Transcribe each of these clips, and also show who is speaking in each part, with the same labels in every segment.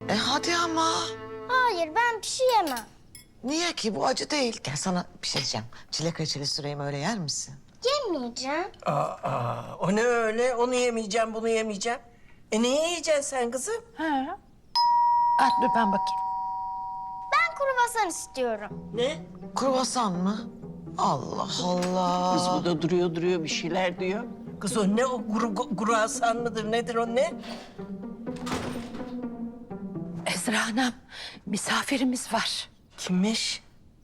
Speaker 1: Hadi ama.
Speaker 2: Hayır, ben bir şey yemem.
Speaker 1: Niye ki? Bu acı değil. Gel sana bir şey diyeceğim. Çilek reçeli süreyim, öyle yer misin?
Speaker 2: Yemeyeceğim.
Speaker 3: O ne öyle? Onu yemeyeceğim, bunu yemeyeceğim. Ne yiyeceksin sen kızım?
Speaker 4: Dur ben bakayım.
Speaker 2: Ben kruvasan istiyorum.
Speaker 3: Ne?
Speaker 1: Kruvasan mı? Allah Allah.
Speaker 4: Kız bu da duruyor bir şeyler diyor.
Speaker 3: Kız o ne o kruvasan mıdır nedir o ne?
Speaker 4: Ezra Hanım, misafirimiz var.
Speaker 3: Kimmiş?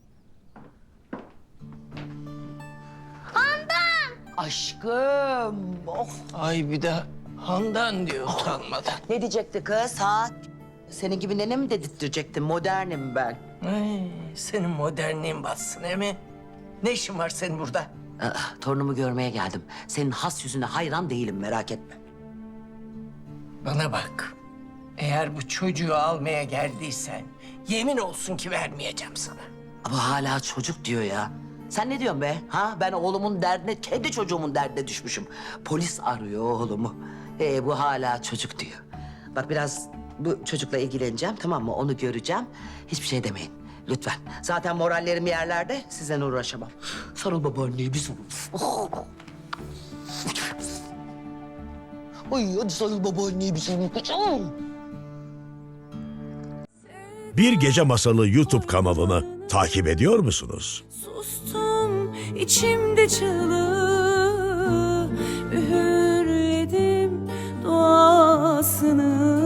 Speaker 4: Aşkım. Oh.
Speaker 3: Ay bir de Handan diyor utanmadan.
Speaker 5: Ne diyecekti kız ha? Senin gibi nene mi dedirtecektin? Modernim ben.
Speaker 3: Ay, senin modernliğin batsın emi. Ne işin var senin burada?
Speaker 5: Torunumu görmeye geldim. Senin has yüzüne hayran değilim, merak etme.
Speaker 3: Bana bak. Eğer bu çocuğu almaya geldiysen yemin olsun ki vermeyeceğim sana.
Speaker 5: Bu hala çocuk diyor ya. Sen ne diyorsun be? Ha? Ben oğlumun derdine, kendi çocuğumun derdine düşmüşüm. Polis arıyor oğlumu. Bu hala çocuk diyor. Bak biraz bu çocukla ilgileneceğim, tamam mı? Onu göreceğim. Hiçbir şey demeyin. Lütfen. Zaten morallerim yerlerde. Sizden uğraşamam. Sarıl babaanneye bir sarıl. Oh. Ay hadi sarıl babaanneye bir sarıl.
Speaker 6: Bir Gece Masalı YouTube kanalını takip ediyor musunuz?
Speaker 7: Sustum içimde çığlığı, üğürledim duasını.